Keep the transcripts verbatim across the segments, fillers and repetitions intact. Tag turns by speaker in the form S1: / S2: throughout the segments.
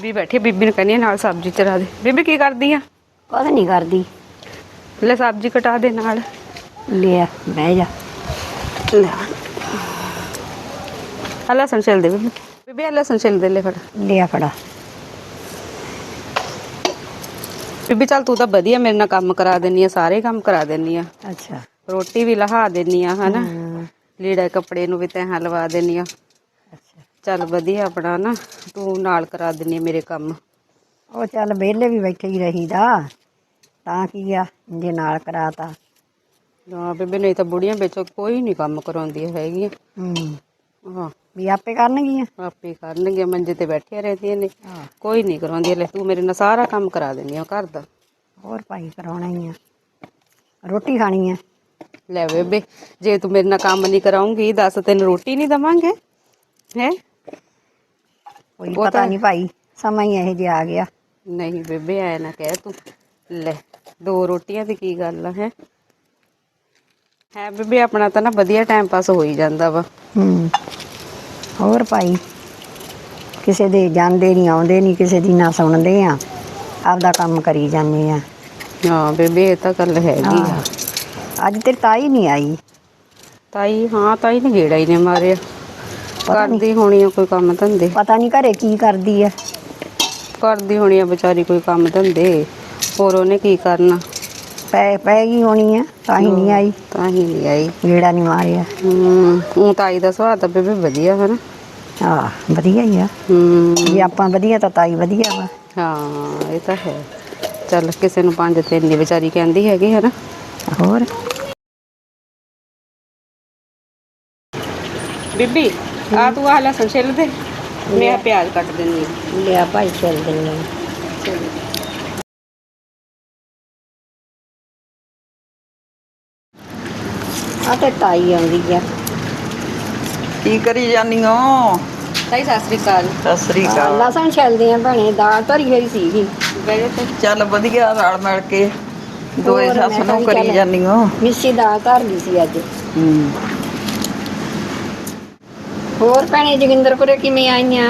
S1: ਬੀਬੀ ਬੈਠੀ ਬੀਬੀ ਨੂੰ ਕਹਿੰਦੀ ਨਾਲ ਸਬਜ਼ੀ ਚਰਾ ਦੇ। ਬੀਬੀ ਕੀ ਕਰਦੀ ਆ?
S2: ਕੁਛ ਨਹੀਂ ਕਰਦੀ।
S1: ਲੈ ਸਬਜ਼ੀ ਕਟਾ ਦੇ ਨਾਲ।
S2: ਲਿਆ ਬਹਿ ਜਾ।
S1: ਲੈ ਆ ਲਸਣ ਛਿਲ ਦੇ ਬੀਬੀ। ਬੀਬੀ ਆ ਲਸਣ ਛਿਲ ਦੇ ਲੈ ਫੜ।
S2: ਲਿਆ ਫੜਾ।
S1: ਬੀਬੀ ਚੱਲ ਤੂੰ ਤਾਂ ਵਧੀਆ ਮੇਰੇ ਨਾਲ ਕੰਮ ਕਰਾ ਦਿੰਦੀ ਆ, ਸਾਰੇ ਕੰਮ ਕਰਾ ਦਿੰਦੀ ਆ।
S2: ਅੱਛਾ।
S1: ਰੋਟੀ ਵੀ ਲਹਾ ਦਿੰਦੀ ਆ ਹਨਾ,
S2: ਹਮ,
S1: ਲੀੜਾ ਕੱਪੜੇ ਨੂੰ ਵੀ ਤੈਂ ਲਵਾ ਦਿੰਦੀ ਆ।
S2: ਅੱਛਾ।
S1: ਚੱਲ ਵਧੀਆ ਆਪਣਾ ਨਾ ਤੂੰ ਨਾਲ ਕਰਾ ਦਿੰਦੀ ਆ ਮੇਰੇ ਕੰਮ।
S2: ਉਹ ਚੱਲ ਵਿਹਲੇ ਵੀ ਬੈਠੇ ਹੀ ਰਹੀਦਾ ਤਾਂ ਕੀ ਆ ਜੇ ਨਾਲ ਕਰਾਤਾ।
S1: ਹਾਂ ਬੀਬੀ ਨਹੀਂ ਤਾਂ ਬੁੜੀਆਂ ਵਿੱਚ ਕੋਈ ਨਹੀਂ ਕੰਮ ਕਰਾਉਂਦੀਆਂ ਹੈਗੀਆਂ।
S2: ਹੂੰ
S1: ਹਾਂ
S2: ਵੀ ਆਪੇ ਕਰਨਗੀਆਂ।
S1: ਆਪੇ ਕਰਨਗੀਆਂ, ਮੰਜੇ ਤੇ ਬੈਠੀਆਂ ਰਹਿੰਦੀਆਂ ਨੇ,
S2: ਹਾਂ
S1: ਕੋਈ ਨਹੀਂ ਕਰਾਉਂਦੀ। ਲੈ ਤੂੰ ਮੇਰੇ ਨਾਲ ਸਾਰਾ ਕੰਮ ਕਰਾ ਦਿੰਦੀ ਆ ਘਰ ਦਾ।
S2: ਹੋਰ ਭਾਈ ਕਰਾਉਣਾ ਹੀ ਆ, ਰੋਟੀ ਖਾਣੀ ਆ।
S1: ਲੈ ਬੇਬੇ ਜੇ ਤੂੰ ਮੇਰੇ ਨਾਲ ਕੰਮ ਨਹੀਂ ਕਰਾਉਂਗੀ ਦੱਸ ਤੈਨੂੰ ਰੋਟੀ ਨਹੀਂ ਦੇਵਾਂਗੇ ਹੈ?
S2: ਕੋਈ ਪਤਾ ਨਹੀਂ ਭਾਈ, ਸਮਾਂ ਹੀ ਇਹੋ ਜਿਹਾ ਆ ਗਿਆ।
S1: ਨਹੀਂ ਬੇਬੇ ਐ ਨਾ ਕਹਿ ਤੂੰ। ਲੈ ਦੋ ਰੋਟੀਆਂ ਦੀ ਕੀ ਗੱਲ ਆ ਹੈ? ਹੈ ਬੇਬੇ ਆਪਣਾ ਤਾਂ ਨਾ ਵਧੀਆ ਟਾਈਮ ਪਾਸ ਹੋ ਹੀ ਜਾਂਦਾ ਵਾ।
S2: ਹੂੰ ਹੋਰ ਭਾਈ ਕਿਸੇ ਦੇ ਜਾਂਦੇ ਨਹੀਂ ਆਉਂਦੇ ਨਹੀਂ, ਕਿਸੇ ਦੀ ਨਾ ਸੁਣਦੇ ਆ, ਆਪਦਾ ਕੰਮ ਕਰੀ ਜਾਂਦੇ ਆ।
S1: ਹਾਂ ਬੇਬੇ ਇਹ ਤਾਂ ਗੱਲ ਹੈਗੀ ਆ।
S2: ਅੱਜ ਤੇਰੀ ਤਾਈ ਨਹੀਂ ਆਈ?
S1: ਤਾਈ ਹਾਂ ਤਾਈ ਨੇ ਗੇੜਾ ਹੀ ਨੇ ਮਾਰਿਆ। ਕਰਦੀ ਹੋਣੀ ਆ ਕੋਈ ਕੰਮ ਧੰਦੇ।
S2: ਪਤਾ ਨਹੀਂ ਘਰੇ ਕੀ ਕਰਦੀ ਆ।
S1: ਕਰਦੀ ਹੋਣੀ ਆ ਵਿਚਾਰੀ ਕੋਈ ਕੰਮ ਧੰਦੇ, ਹੋਰ ਉਹਨੇ ਕੀ ਕਰਨਾ।
S2: ਪੈ ਪੈ ਗਈ ਹੋਣੀ ਆ ਤਾਂ ਹੀ ਨਹੀਂ ਆਈ।
S1: ਤਾਂ ਹੀ ਨਹੀਂ ਆਈ।
S2: ਗੇੜਾ ਨਹੀਂ ਮਾਰਿਆ।
S1: ਹੂੰ ਊਂ ਤਾਈ ਦਾ ਸੁਭਾਅ ਤਾਂ ਬੇਬੇ ਵਧੀਆ ਹਨਾ।
S2: ਹਾਂ ਵਧੀਆ ਹੀ ਆ।
S1: ਹੂੰ
S2: ਜੇ ਆਪਾਂ ਵਧੀਆ ਤਾਂ ਤਾਈ ਵਧੀਆ ਵਾ।
S1: ਹਾਂ ਇਹ ਤਾਂ ਹੈ। ਚੱਲ ਕਿਸੇ ਨੂੰ ਪੰਜ ਤਿੰਨ ਨਹੀਂ ਵਿਚਾਰੀ ਕਹਿੰਦੀ ਹੈਗੀ ਹਨਾ।
S2: ਹੋਰ
S1: ਬੀਬੀ ਆ ਤੂੰ ਆਹ ਲਸਣ ਛਿੱਲ ਦੇ, ਮੈਂ ਪਿਆਜ਼ ਕੱਟ ਦਿੰਦੀ ਹਾਂ।
S2: ਲਿਆ ਭਾਈ ਚੱਲ ਦਿੰਦੇ। ਆ ਤੇ ਤਾਈ ਆਉਂਦੀ ਆ।
S3: ਕੀ ਕਰੀ ਜਾਨੀ ਹੋ?
S1: ਤਾਈ ਸਤਿ ਸ੍ਰੀ ਅਕਾਲ।
S3: ਸਤਿ ਸ੍ਰੀ ਅਕਾਲ।
S2: ਲਸਣ ਛਿਲਦੇ ਆ ਭੈਣੇ, ਦਾਲ ਧਰੀ ਹੋਈ ਸੀਗੀ।
S1: ਬਹਿ ਜਾ
S3: ਚੱਲ ਵਧੀਆ ਰਲ ਮਿਲ ਕੇ ਦੋਏ
S2: ਹੋਰ
S3: ਸੱਸ
S2: ਮੈਂ
S3: ਨੂੰ
S2: ਕਿਹਾ
S3: ਕਰੀ
S2: ਚੱਲ
S3: ਜਾਨੀ ਹੋ।
S2: ਮਿੱਸੀ ਦਾਲ ਧਰ ਲਈ ਸੀ ਅੱਜ।
S3: ਹੂੰ
S2: ਹੋਰ ਭੈਣੇ ਜੋਗਿੰਦਰਪੁਰੇ ਕਿਵੇਂ ਆਈਆਂ?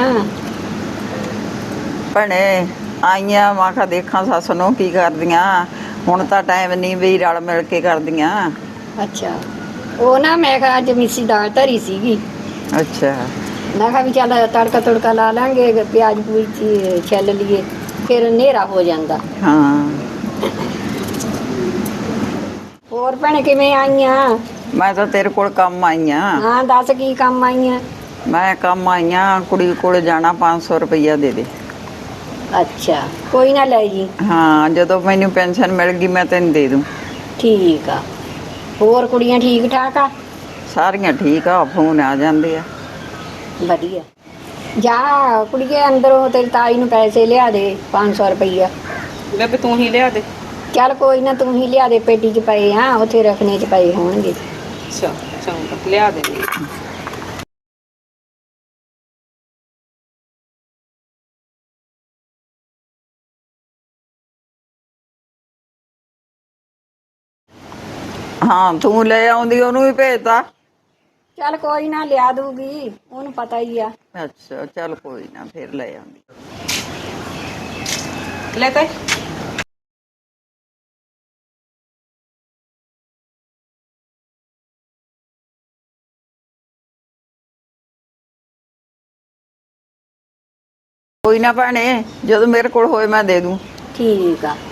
S3: ਭੈਣੇ ਆਈਆਂ ਮੈਂ ਕਿਹਾ ਦੇਖਾਂ ਸੱਸ ਨੂੰ ਕੀ ਕਰਦੀਆਂ। ਹੁਣ ਤਾਂ ਟਾਈਮ ਨਹੀਂ ਵੀ ਰਲ ਮਿਲ ਕੇ ਕਰਦੀਆਂ।
S2: ਅੱਛਾ ਉਹ ਨਾ ਮੈਂ ਕਿਹਾ ਅੱਜ ਮਿੱਸੀ ਦਾਲ ਧਰੀ ਸੀਗੀ।
S3: ਅੱਛਾ
S2: ਮੈਂ ਕਿਹਾ ਵੀ ਚੱਲ ਤੜਕਾ ਤੁੜਕਾ ਲਾ ਲਾਂਗੇ, ਪਿਆਜ਼ ਪੂਜ ਛਿੱਲ ਲਈਏ, ਫਿਰ ਹਨੇਰਾ ਹੋ ਜਾਂਦਾ।
S3: ਹਾਂ
S2: ਹੋਰ ਭੈਣੇ ਕਿਵੇਂ ਆਈਆਂ?
S3: ਮੈਂ ਤਾਂ ਤੇਰੇ ਕੋਲ ਕੰਮ ਆਈ ਆਂ।
S2: ਹਾਂ ਦੱਸ ਕੀ ਕੰਮ ਆਈਆਂ?
S3: ਮੈਂ ਕੰਮ ਆਈ ਆਂ ਕੁੜੀ ਕੋਲ ਜਾਣਾ, ਪੰਜ ਸੌ ਰੁਪਈਆ ਦੇ ਦੇ।
S2: ਅੱਛਾ ਕੋਈ ਨਾ ਲੈ ਜੀ।
S3: ਹਾਂ ਜਦੋਂ ਮੈਨੂੰ ਪੈਨਸ਼ਨ ਮਿਲ ਗਈ ਮੈਂ ਤੈਨੂੰ ਦੇ ਦੂੰ।
S2: ਠੀਕ ਆ। ਹੋਰ ਕੁੜੀਆਂ ਠੀਕ ਠਾਕ ਆ?
S3: ਸਾਰੀਆਂ ਠੀਕ ਆ, ਫੋਨ ਆ ਜਾਂਦੇ ਆ।
S2: ਵਧੀਆ। ਜਾ ਕੁੜੀਏ ਅੰਦਰੋਂ ਤੇਰੀ ਤਾਈ ਨੂੰ ਪੈਸੇ ਲਿਆ ਦੇ, ਪੰਜ ਸੌ ਰੁਪਈਆ।
S1: ਬੇਬੇ ਤੂੰ ਹੀ ਲਿਆ ਦੇ।
S2: ਚੱਲ ਕੋਈ ਨਾ ਤੂੰ ਹੀ ਲਿਆ ਦੇ, ਪੇਟੀ 'ਚ ਪਏ ਆ ਉੱਥੇ ਰੱਖਣੇ 'ਚ ਪਏ ਹੋਣਗੇ।
S1: ਅੱਛਾ ਚੰਗਾ ਲਿਆ ਦੇ।
S3: ਹਾਂ ਤੂੰ ਲੈ ਆਉਂਦੀ ਉਹਨੂੰ ਵੀ ਭੇਜਤਾ।
S2: ਚੱਲ ਕੋਈ ਨਾ ਲਿਆ ਦੂਗੀ, ਉਹਨੂੰ ਪਤਾ ਹੀ ਆ।
S3: ਅੱਛਾ ਚੱਲ ਕੋਈ ਨਾ ਫਿਰ ਲੈ ਆਉਂਦੀ।
S1: ਲੈ ਤਾਈ
S3: ਕੋਈ ਨਾ ਭੈਣੇ ਜਦੋਂ ਮੇਰੇ ਕੋਲ ਹੋਏ ਮੈਂ ਦੇ ਦੂੰ।
S2: ਠੀਕ ਆ।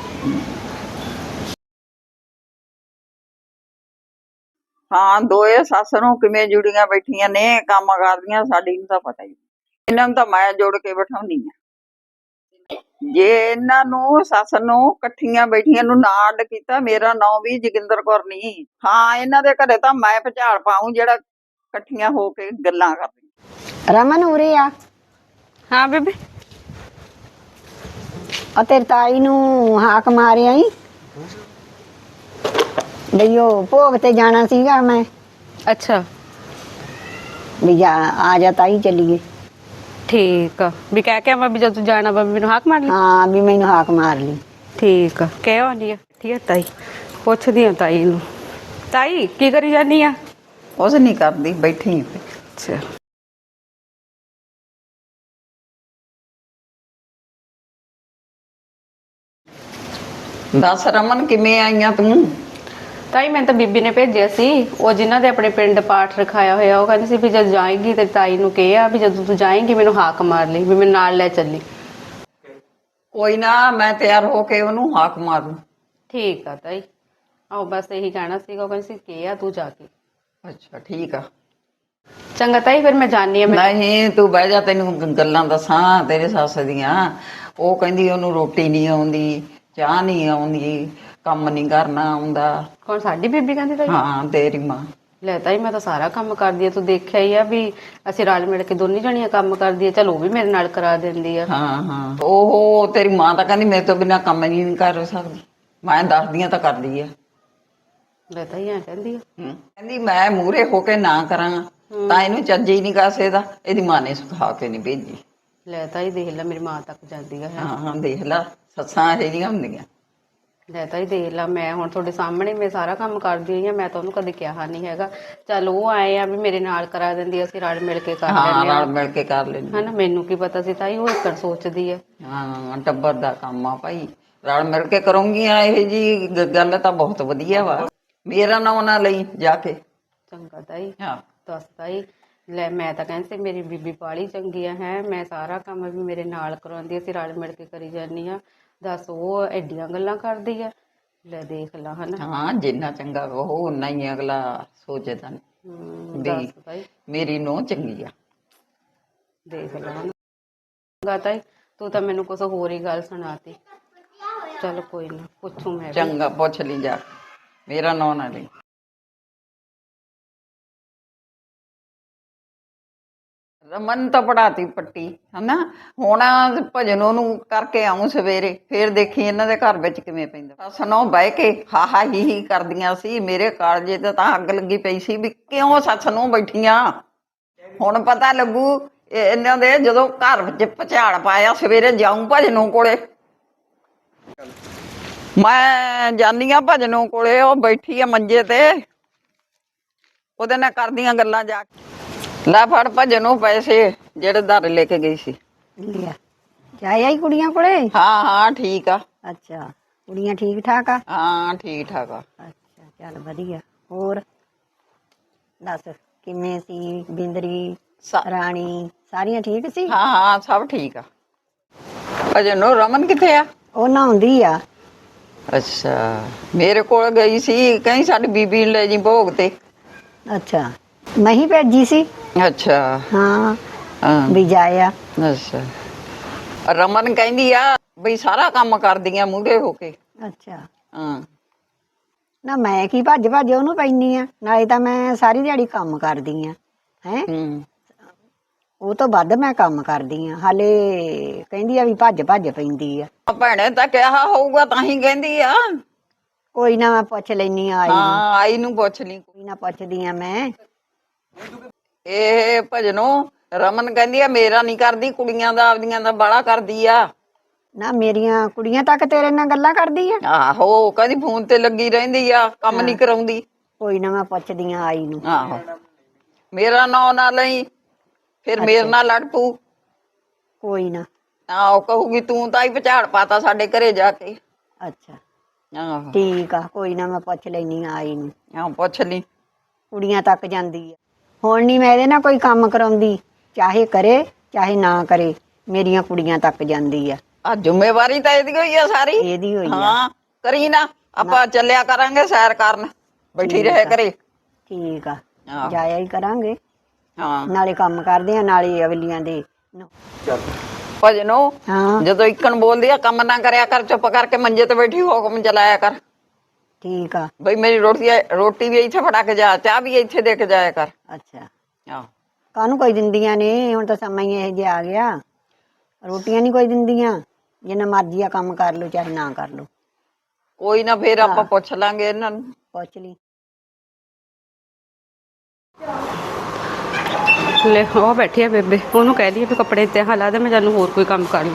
S3: ਹਾਂ ਦੋਏ ਸੱਸ ਨੂੰ ਕਿਵੇਂ ਜੁੜੀਆਂ ਬੈਠੀਆਂ ਨੇ, ਕੰਮ ਕਰਦੀਆਂ। ਸਾਡੀ ਨੂੰ ਤਾਂ ਪਤਾ ਹੀ, ਇਹਨਾਂ ਨੂੰ ਤਾਂ ਮੈਂ ਜੋੜ ਕੇ ਬਿਠਾਉਣੀ ਆ। ਜੇ ਇਹਨਾਂ ਨੂੰ ਸੱਸ ਨੂੰ ਇਕੱਠੀਆਂ ਬੈਠੀਆਂ ਨੂੰ ਨਾ ਅੱਡ ਕੀਤਾ, ਮੇਰਾ ਨਾਂ ਵੀ ਜੋਗਿੰਦਰ ਕੌਰ ਨਹੀਂ। ਹਾਂ ਇਹਨਾਂ ਦੇ ਘਰੇ ਤਾਂ ਮੈਂ ਭੁਚਾਲ ਪਾਊਂ ਜਿਹੜਾ ਇਕੱਠੀਆਂ ਹੋ ਕੇ ਗੱਲਾਂ ਕਰਦੀਆਂ।
S2: ਰਮਨ ਉਰੇ ਆ।
S1: ਹਾਂ ਬੇਬੇ
S2: ਆ ਤੇਰੀ ਤਾਈ ਨੂੰ ਹਾਕ ਮਾਰਿਆ ਈ ਬਈ ਉਹ ਭੋਗ ਤੇ ਜਾਣਾ ਸੀਗਾ ਮੈਂ।
S1: ਅੱਛਾ
S2: ਵੀ ਜਾ ਆ ਜਾ ਤਾਈ ਚੱਲੀਏ।
S1: ਠੀਕ ਆ ਵੀ ਕਹਿ ਕੇ ਆਵਾਂ ਵੀ ਜਦੋਂ ਜਾਣਾ ਵਾ ਮੈਨੂੰ ਹਾਕ ਮਾਰ ਲਈ।
S2: ਹਾਂ ਵੀ ਮੈਨੂੰ ਹਾਕ ਮਾਰ ਲਈ।
S1: ਠੀਕ ਆ ਕਹਿ ਆਉਂਦੀ ਆ। ਠੀਕ ਆ ਤਾਈ ਪੁੱਛਦੀ ਆ ਤਾਈ ਨੂੰ। ਤਾਈ ਕੀ ਕਰੀ ਜਾਨੀ ਆ?
S3: ਕੁਛ ਨਹੀਂ ਕਰਦੀ, ਬੈਠੀ।
S1: ਅੱਛਾ
S3: ਦੱਸ ਰਮਨ ਕਿਵੇਂ ਆਈਆਂ ਤੂੰ?
S1: ਤਾਈ ਮੈਂ ਤਾਂ ਬੀਬੀ ਨੇ ਭੇਜਿਆ ਸੀ, ਉਹ ਜਿਨ੍ਹਾਂ ਦੇ ਆਪਣੇ ਪਿੰਡ ਪਾਠ ਰਖਾਇਆ ਹੋਇਆ, ਉਹ ਕਹਿੰਦੀ ਸੀ ਵੀ ਜਦ ਜਾਏਗੀ ਤੇ ਤਾਈ ਨੂੰ ਕਿਹਾ ਵੀ ਜਦੋਂ ਤੂੰ ਜਾਏਂਗੀ ਮੈਨੂੰ ਹਾਕ ਮਾਰ ਲਈ, ਵੀ ਮੈਨੂੰ ਨਾਲ ਲੈ ਚੱਲੀ।
S3: ਕੋਈ ਨਾ, ਮੈਂ ਤਿਆਰ ਹੋ ਕੇ ਉਹਨੂੰ ਹਾਕ ਮਾਰੂ।
S1: ਠੀਕ ਆ ਤਾਈ, ਆਹੋ ਬਸ ਇਹੀ ਕਹਿਣਾ ਸੀਗਾ, ਉਹ ਕਹਿੰਦੀ ਸੀ ਕਿਹਾ ਤੂੰ ਜਾ ਕੇ।
S3: ਅੱਛਾ ਠੀਕ ਆ।
S1: ਚੰਗਾ ਤਾਈ ਫਿਰ ਮੈਂ ਜਾਣੀ ਆ। ਮੈਂ
S3: ਨਹੀਂ ਤੂੰ ਬਹਿ ਜਾ, ਤੈਨੂੰ ਗੱਲਾਂ ਦੱਸਾਂ ਤੇਰੇ ਸੱਸ ਦੀਆਂ। ਉਹ ਕਹਿੰਦੀ ਉਹਨੂੰ ਰੋਟੀ ਨਹੀਂ ਆਉਂਦੀ, ਚਾਹ ਨਹੀਂ ਆਉਂਦੀ, ਕੰਮ ਨਹੀਂ ਕਰਨਾ ਆਉਂਦਾ।
S1: ਕੌਣ? ਸਾਡੀ ਬੀਬੀ ਕਹਿੰਦੀ ਤਾਈ?
S3: ਹਾਂ ਤੇਰੀ ਮਾਂ।
S1: ਲੈ ਤਾਈ ਮੈਂ ਤਾਂ ਸਾਰਾ ਕੰਮ ਕਰਦੀ ਆ, ਤੂੰ ਦੇਖਿਆ ਹੀ ਆ ਵੀ ਅਸੀਂ ਰਲ ਮਿਲ ਕੇ ਦੋਨੀ ਜਣੀਆਂ ਕੰਮ ਕਰਦੀ ਆ। ਚਲ ਉਹ ਵੀ ਮੇਰੇ ਨਾਲ ਕਰਾ ਦਿੰਦੀ ਆ।
S3: ਹਾਂ ਹਾਂ ਉਹ ਤੇਰੀ ਮਾਂ ਤਾਂ ਕਹਿੰਦੀ ਮੇਰੇ ਤੋਂ ਬਿਨਾਂ ਕੰਮ ਹੀ ਨਹੀਂ ਕਰ ਸਕਦੀ। ਮੈਂ ਦੱਸਦੀਆਂ ਤਾਂ ਕਰਦੀ ਆ।
S1: ਲੈ ਤਾਈ ਐ ਕਹਿੰਦੀ ਆ।
S3: ਹਮ, ਕਹਿੰਦੀ ਮੈਂ ਮੂਹਰੇ ਹੋ ਕੇ ਨਾ ਕਰਾਂ ਤਾਂ ਇਹਨੂੰ ਚੱਜ ਹੀ ਨਹੀਂ ਕਾਸੇ ਦਾ। ਇਹਦੀ ਮਾਂ ਨੇ ਸਿਖਾ ਕੇ ਨਹੀਂ ਭੇਜੀ।
S1: ਲੈ ਤਾਈ ਦੇਖ ਲੈ, ਮੇਰੀ ਮਾਂ ਤੱਕ ਜਾਂਦੀ ਆ।
S3: ਹਾਂ ਹਾਂ ਦੇਖ ਲਾ, ਸੱਸਾਂ ਇਹੋ ਜਿਹੀਆਂ ਹੁੰਦੀਆਂ।
S1: ਲੈ ਤਾਈ ਦੇਖ ਲਾ, ਮੈਂ ਹੁਣ ਤੁਹਾਡੇ ਸਾਹਮਣੇ ਮੈਂ ਸਾਰਾ ਕੰਮ ਕਰਦੀ ਹੋਈ ਆ, ਮੈਂ ਤਾਂ ਉਹਨੂੰ ਕਦੇ ਕਿਹਾ ਨਹੀਂ ਹੈਗਾ। ਚੱਲ ਉਹ ਆਏ ਆ ਵੀ ਮੇਰੇ ਨਾਲ ਕਰਾ ਦਿੰਦੀ, ਅਸੀਂ ਰਲ ਮਿਲ ਕੇ ਕਰ
S3: ਹਾਂ
S1: ਲੈਂਦੇ ਆ।
S3: ਰਲ ਮਿਲ ਕੇ ਕਰ ਲੈਂਦੇ।
S1: ਹਨਾ, ਮੈਨੂੰ ਕੀ ਪਤਾ ਸੀ ਤਾਈ ਉਹ ਇੱਕਣ ਸੋਚਦੀ ਆ।
S3: ਹਾਂ ਟੱਬਰ ਦਾ ਕੰਮ ਆ ਭਾਈ, ਰਲ ਮਿਲ ਕੇ ਕਰੂੰਗੀਆਂ। ਇਹ ਜੀ ਗੱਲ ਤਾਂ ਬਹੁਤ ਵਧੀਆ ਵਾ। ਮੇਰਾ ਨਾਂ ਨਾ ਲਈ ਜਾ ਕੇ।
S1: ਚੰਗਾ ਤਾਈ,
S3: ਹਾਂ
S1: ਦੱਸ ਤਾਈ। ਲੈ ਮੈਂ ਤਾਂ ਕਹਿੰਦੀ ਸੀ ਮੇਰੀ ਬੀਬੀ ਬਾਹਲੀ ਚੰਗੀ ਆ, ਹੈ ਮੈਂ ਸਾਰਾ ਕੰਮ ਵੀ ਮੇਰੇ ਨਾਲ ਕਰਾਉਂਦੀ, ਅਸੀਂ ਰਲ ਮਿਲ ਕੇ ਕਰੀ ਜਾਂਦੀ ਆ। ਦੱਸ ਉਹ ਐਡੀਆਂ ਗੱਲਾਂ ਕਰਦੀ ਆ। ਲੈ ਦੇਖ ਲਾ। ਹਨਾ
S3: ਹਾਂ ਜਿੰਨਾ ਚੰਗਾ ਉਹ ਓਨਾ ਹੀ ਅਗਲਾ ਸੋਚਦਾ
S1: ਹਮ,
S3: ਵੀ
S1: ਦੱਸ ਤਾਈ।
S3: ਮੇਰੀ ਨੂੰਹ ਚੰਗੀ ਆ।
S1: ਦੇਖ ਲਾ। ਚੰਗਾ ਤਾਈ, ਤੂੰ ਤਾਂ ਮੈਨੂੰ ਕੁਛ ਹੋਰ ਹੀ ਗੱਲ ਸੁਣਾਤੀ। ਚਲ ਕੋਈ ਨਾ, ਪੁੱਛੂ ਮੈਂ ਵੀ।
S3: ਚੰਗਾ ਪੁੱਛ ਲਈ ਜਾ, ਮੇਰਾ ਨਾਂ ਨਾ ਲਈ। ਰਮਨ ਤਾਂ ਪੜਾਤੀ ਪੱਟੀ ਹਨਾ। ਹੁਣ ਭਜਨ ਉਹਨੂੰ ਕਰਕੇ ਆਉਂ ਸਵੇਰੇ, ਫੇਰ ਦੇਖੀ ਇਹਨਾਂ ਦੇ ਘਰ ਵਿੱਚ ਕਿਵੇਂ ਪੈਂਦਾ। ਸੱਸ ਨੂੰ ਬਹਿ ਕੇ ਹਾ ਹਾ ਹੀ ਹੀ ਕਰਦੀਆਂ ਸੀ। ਮੇਰੇ ਕਾਲਜੇ ਤੇ ਤਾਂ ਅੱਗ ਲੱਗੀ ਪਈ ਸੀ ਵੀ ਕਿਉਂ ਸੱਸ ਨੂੰ ਬੈਠੀਆਂ। ਹੁਣ ਪਤਾ ਲੱਗੂ ਇਹਨਾਂ ਦੇ ਜਦੋਂ ਘਰ ਵਿੱਚ ਭੁਚਾਲ ਪਾਇਆ। ਸਵੇਰੇ ਜਾਊਂ ਭਜਨੋਂ ਕੋਲੇ। ਮੈਂ ਜਾਨੀ ਆ ਭਜਨੋਂ ਕੋਲੇ, ਉਹ ਬੈਠੀ ਆ ਮੰਜੇ ਤੇ, ਉਹਦੇ ਨਾਲ ਕਰਦੀਆਂ ਗੱਲਾਂ ਜਾ ਕੇ। ਲੈ ਫੜ ਭਜਨੋਂ ਪੈਸੇ ਜਿਹੜੇ ਧਰ ਲੈ ਕੇ ਗਈ ਸੀ।
S2: ਲਿਆ ਜਾਏ ਆਈ ਕੁੜੀਆਂ ਕੋਲੇ।
S3: ਹਾਂ ਹਾਂ ਠੀਕ ਆ।
S2: ਅੱਛਾ ਕੁੜੀਆਂ ਠੀਕ ਠਾਕ ਆ?
S3: ਹਾਂ ਠੀਕ ਠਾਕ ਆ।
S2: ਅੱਛਾ ਚੱਲ ਵਧੀਆ। ਹੋਰ ਦੱਸ ਕਿਵੇਂ ਸੀ ਬਿੰਦਰੀ
S3: ਸਾ-
S2: ਰਾਣੀ, ਸਾਰੀਆਂ ਠੀਕ ਸੀ?
S3: ਹਾਂ ਹਾਂ ਸਭ ਠੀਕ ਆ। ਭਜਨੋਂ ਰਮਨ ਕਿੱਥੇ ਆ?
S2: ਉਹ ਨਹਾਉਂਦੀ ਆ।
S3: ਅੱਛਾ ਮੇਰੇ ਕੋਲ ਗਈ ਸੀ, ਕਹੀਂ ਸਾਡੀ ਬੀਬੀ ਨੂੰ ਲੈ ਜੀ ਭੋਗ ਤੇ।
S2: ਅੱਛਾ ਮੈਂ ਹੀ ਭੇਜੀ ਸੀ।
S3: ਅੱਛਾ
S2: ਹਾਂ
S3: ਹਾਂ
S2: ਵੀ ਜਾਇਆ।
S3: ਅੱਛਾ ਰਮਨ ਕਹਿੰਦੀ ਆ ਬਈ ਸਾਰਾ ਕੰਮ ਕਰਦੀਆਂ ਮੂਹਰੇ ਹੋ ਕੇ।
S2: ਅੱਛਾ
S3: ਹਾਂ
S2: ਨਾ ਮੈਂ ਕੀ ਭੱਜ ਭੱਜ ਉਹਨੂੰ ਪੈਂਦੀ ਆ, ਨਾਲੇ ਤਾਂ ਮੈਂ ਸਾਰੀ ਦਿਹਾੜੀ ਕੰਮ ਕਰਦੀ ਆ ਹੈ।
S3: ਹੂੰ
S2: ਉਹ ਤੋਂ ਵੱਧ ਮੈਂ ਕੰਮ ਕਰਦੀ ਆ। ਹਾਲੇ ਕਹਿੰਦੀ ਆ ਵੀ ਭੱਜ ਭੱਜ ਪੈਂਦੀ ਆ।
S3: ਭੈਣੇ ਤਾਂ ਕਿਹਾ ਹੋਊਗਾ ਤਾਂ ਹੀ ਕਹਿੰਦੀ ਆ।
S2: ਕੋਈ ਨਾ ਮੈਂ ਪੁੱਛ ਲੈਣੀ ਆ ਆਈ ਨੂੰ।
S3: ਹਾਂ ਆਈ ਨੂੰ ਪੁੱਛ ਲਈ।
S2: ਕੋਈ ਨਾ ਪੁੱਛਦੀ ਆ ਮੈਂ।
S3: ਇਹ ਭਜਨੋਂ ਰਮਨ ਕਹਿੰਦੀ ਆ ਮੇਰਾ ਨਹੀਂ ਕਰਦੀ, ਕੁੜੀਆਂ ਦਾ ਆਪਦੀਆਂ ਦਾ ਬਾਹਲਾ ਕਰਦੀ ਆ।
S2: ਨਾ ਮੇਰੀਆਂ ਕੁੜੀਆਂ ਤੱਕ ਤੇਰੇ ਨਾਲ ਗੱਲਾਂ ਕਰਦੀ ਆ।
S3: ਆਹੋ ਕਹਿੰਦੀ ਫੋਨ ਤੇ ਲੱਗੀ ਰਹਿੰਦੀ ਆ, ਕੰਮ ਨਹੀਂ ਕਰਾਉਂਦੀ।
S2: ਕੋਈ ਨਾ ਮੈਂ ਪੁੱਛਦੀ ਆ ਆਈ ਨੂੰ।
S3: ਆਹੋ ਮੇਰਾ ਨਾਂ ਨਾ ਲਈ, ਫਿਰ ਮੇਰੇ ਨਾਲ ਲੜ ਪੂ।
S2: ਕੋਈ ਨਾ।
S3: ਆਹੋ ਕਹੂਗੀ ਤੂੰ ਤਾਂ ਹੀ ਭੁਚਾਲ ਪਾਤਾ ਸਾਡੇ ਘਰੇ ਜਾ ਕੇ।
S2: ਅੱਛਾ
S3: ਆਹੋ
S2: ਠੀਕ ਆ, ਕੋਈ ਨਾ ਮੈਂ ਪੁੱਛ ਲੈਣੀ ਆ ਆਈ ਨੂੰ।
S3: ਆਹ ਪੁੱਛ ਲਈ।
S2: ਕੁੜੀਆਂ ਤੱਕ ਜਾਂਦੀ ਆ। ਹੁਣ ਨਹੀਂ ਮੈਂ ਇਹਦੇ ਨਾਲ ਕੋਈ ਕੰਮ ਕਰਾਉਂਦੀ, ਚਾਹੇ ਕਰੇ ਚਾਹੇ ਨਾ ਕਰੇ, ਮੇਰੀਆਂ ਕੁੜੀਆਂ ਤੱਕ ਜਾਂਦੀ ਆ।
S3: ਆ ਜ਼ਿੰਮੇਵਾਰੀ ਤਾਂ ਇਹਦੀ ਹੋਈ ਆ ਸਾਰੀ।
S2: ਇਹਦੀ ਹੋਈ ਆ।
S3: ਹਾਂ ਕਰੀ ਨਾ, ਆਪਾਂ ਚੱਲਿਆ ਕਰਾਂਗੇ ਸੈਰ ਕਰਨ, ਬੈਠੀ ਰਹੇ ਕਰੇ।
S2: ਠੀਕ ਆ
S3: ਆਹੋ।
S2: ਜਾਇਆ ਹੀ ਕਰਾਂਗੇ,
S3: ਹਾਂ
S2: ਨਾਲੇ ਕੰਮ ਕਰਦੇ ਆ ਨਾਲੇ ਅਗਲੀਆਂ ਦੇ।
S3: ਭਜਨੋਂ
S2: ਹਾਂ
S3: ਜਦੋਂ ਇੱਕਣ ਬੋਲਦੀ ਆ ਕੰਮ ਨਾ ਕਰਿਆ ਕਰ, ਚੁੱਪ ਕਰਕੇ ਮੰਜੇ ਤੇ ਬੈਠੀ ਹੁਕਮ ਚਲਾਇਆ ਕਰ।
S2: ਠੀਕ ਆ।
S3: ਬਈ ਮੇਰੀ ਰੋਟੀ ਰੋਟੀ ਵੀ ਇੱਥੇ ਫੜਾ ਕੇ ਜਾ, ਚਾਹ ਵੀ ਇੱਥੇ ਦੇ ਕੇ ਜਾਇਆ ਕਰ।
S2: ਅੱਛਾ
S3: ਆਹੋ
S2: ਕਾਹਨੂੰ ਕੋਈ ਦਿੰਦੀਆਂ ਨੇ, ਹੁਣ ਤਾਂ ਸਮਾਂ ਹੀ ਇਹੋ ਜਿਹਾ ਆ ਗਿਆ। ਰੋਟੀਆਂ ਨਹੀਂ ਕੋਈ ਦਿੰਦੀਆਂ, ਜਿੰਨਾ ਮਰਜ਼ੀ ਆ ਕੰਮ ਕਰ ਲਓ ਚਾਹੇ ਨਾ ਕਰ ਲਓ।
S3: ਕੋਈ ਨਾ ਫੇਰ ਆਪਾਂ ਪੁੱਛ ਲਾਂਗੇ ਇਹਨਾਂ ਨੂੰ।
S2: ਪੁੱਛ ਲਈ।
S1: ਲੈ ਉਹ ਬੈਠੀ ਆ ਬੇਬੇ, ਉਹਨੂੰ ਕਹਿ ਦਈਏ ਵੀ ਕੱਪੜੇ ਤੇ ਲਾ ਦੇ, ਮੈਂ ਜਾਨੂੰ ਹੋਰ ਕੋਈ ਕੰਮ ਕਰ ਲੂੰ।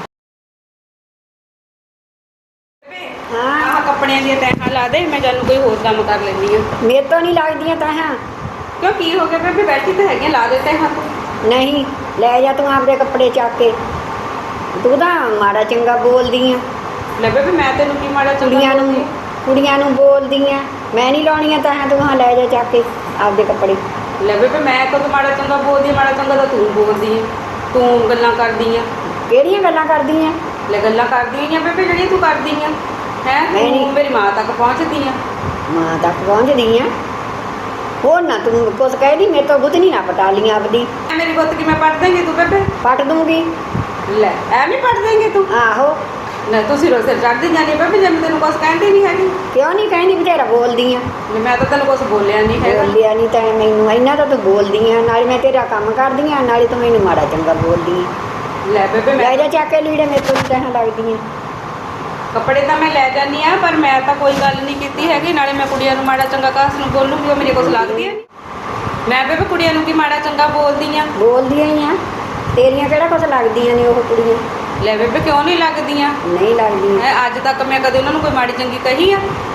S2: ਹਾਂ
S1: ਆਹ ਕੱਪੜਿਆਂ ਦੀਆਂ ਤੈਹਾਂ ਲਾ ਦੇ, ਮੈਂ ਜਾਨੂੰ ਕੋਈ ਹੋਰ ਕੰਮ ਕਰ ਲੈਂਦੀ ਆ।
S2: ਮੇਰੇ ਤੋਂ ਨਹੀਂ ਲੱਗਦੀਆਂ ਤੈਹਾਂ।
S1: ਕਿਉਂ ਕੀ ਹੋ ਗਿਆ ਬੇਬੇ, ਬੈਠੀ ਤਾਂ ਹੈਗੀ, ਲਾ ਦੇ ਤੈਹਾਂ ਤੂੰ।
S2: ਨਹੀਂ ਲੈ ਜਾ ਤੂੰ ਆਪਦੇ ਕੱਪੜੇ ਚੱਕ ਕੇ। ਤੂੰ ਤਾਂ ਮਾੜਾ ਚੰਗਾ ਬੋਲਦੀ ਆ।
S1: ਲੈ ਬੇਬੇ ਮੈਂ ਤੈਨੂੰ ਕੀ ਮਾੜਾ ਚੰਗਾ
S2: ਕੁੜੀਆਂ ਨੂੰ
S1: ਬੋਲਦੀ?
S2: ਕੁੜੀਆਂ ਨੂੰ ਬੋਲਦੀਆਂ ਮੈਂ ਨਹੀਂ ਲਾਉਣੀਆਂ ਤਾਂ ਤੂੰ ਹਾਂ ਲੈ ਜਾ ਚੱਕ ਕੇ ਆਪਦੇ ਕੱਪੜੇ।
S1: ਲੈ ਬੇਬੇ ਮੈਂ ਕਦੋਂ ਮਾੜਾ ਚੰਗਾ ਬੋਲਦੀ ਆ? ਮਾੜਾ ਚੰਗਾ ਤਾਂ ਤੂੰ ਬੋਲਦੀ ਆ, ਤੂੰ ਗੱਲਾਂ ਕਰਦੀ ਆ।
S2: ਕਿਹੜੀਆਂ ਗੱਲਾਂ ਕਰਦੀ ਆ?
S1: ਲੈ ਗੱਲਾਂ ਕਰਦੀ ਆ ਬੇਬੇ ਜਿਹੜੀਆਂ ਤੂੰ ਕਰਦੀ ਆ ਹੈ,
S2: ਮੈਂ ਨਹੀਂ-
S1: ਤੂੰ ਮੇਰੀ ਮਾਂ ਤੱਕ ਪਹੁੰਚਦੀ ਆ।
S2: ਮਾਂ ਤੱਕ ਪਹੁੰਚਦੀ ਆ। ਹੋਰ ਨਾ ਤੂੰ ਕੁਛ ਕਹਿਦੀ ਮੇਰੇ ਤੋਂ ਗੁੱਤਨੀ ਨਾ ਪਟਾ ਲੀਆਂ ਆਪਦੀ।
S1: ਐ ਮੇਰੀ ਗੁੱਤ ਕਿਵੇਂ ਪੜ ਦੇਂਗੀ ਤੂੰ ਬੇਬੇ?
S2: ਪੱਟ ਦੂੰਗੀ।
S1: ਲੈ ਐਵੇਂ ਪੜ ਦੇਂਗੀ ਤੂੰ?
S2: ਆਹੋ
S1: ਲੈ ਤੁਸੀਂ ਰੋਸੇ ਚੜਦੀ ਜਾਂਦੀ ਬੇਬੇ, ਜੇ ਮੈਂ ਤੈਨੂੰ ਕੁਛ ਕਹਿੰਦੀ ਨਹੀਂ ਹੈਗੀ।
S2: ਕਿਉਂ ਨਹੀਂ ਕਹਿੰਦੀ ਬਥੇਰਾ ਬੋਲਦੀ ਆ।
S1: ਲੈ ਮੈਂ ਤਾਂ ਤੈਨੂੰ ਕੁਛ ਬੋਲਿਆ ਨਹੀਂ ਹੈਗਾ।
S2: ਬੋਲਿਆ ਨਹੀਂ ਤਾਂ ਮੈਨੂੰ ਇੰਨਾ ਤਾਂ ਤੂੰ ਬੋਲਦੀ ਆ, ਨਾਲੇ ਮੈਂ ਤੇਰਾ ਕੰਮ ਕਰਦੀ ਆ ਨਾਲੇ ਤੂੰ ਮੈਨੂੰ ਮਾੜਾ ਚੰਗਾ ਬੋਲਦੀ ਆ।
S1: ਲੈ ਬੇਬੇ
S2: ਲੈ
S1: ਮੈਂ
S2: ਜਾ ਚੱਕ ਕੇ ਲੀੜੇ ਮੇਰੇ ਤੋਂ ਵੀ ਕਹਿਣ ਲੱਗਦੀ ਆ।
S1: ਕੱਪੜੇ ਤਾਂ ਮੈਂ ਲੈ ਜਾਂਦੀ ਆ, ਪਰ ਮੈਂ ਤਾਂ ਕੋਈ ਗੱਲ ਨਹੀਂ ਕੀਤੀ ਹੈਗੀ। ਨਾਲੇ ਮੈਂ ਕੁੜੀਆਂ ਨੂੰ ਮਾੜਾ ਚੰਗਾ ਕਾਸ ਨੂੰ ਬੋਲੂਗੀ, ਉਹ ਮੇਰੇ ਕੁਛ ਲੱਗਦੀ ਆ। ਮੈਂ ਬੇਬੇ ਕੁੜੀਆਂ ਨੂੰ ਕੀ ਮਾੜਾ ਚੰਗਾ ਬੋਲਦੀ ਆ?
S2: ਬੋਲਦੀਆਂ ਹੀ ਆ, ਤੇਰੀਆਂ ਕਿਹੜਾ ਕੁਛ ਲੱਗਦੀਆਂ ਨੇ ਉਹ ਕੁੜੀਆਂ?
S1: ਲੈ ਬੇਬੇ ਕਿਉਂ ਨਹੀਂ ਲੱਗਦੀਆਂ?
S2: ਨਹੀਂ ਲੱਗਦੀਆਂ।
S1: ਹੈਂ, ਅੱਜ ਤੱਕ ਮੈਂ ਕਦੇ ਉਹਨਾਂ ਨੂੰ ਕੋਈ ਮਾੜੀ ਚੰਗੀ ਕਹੀ ਆ?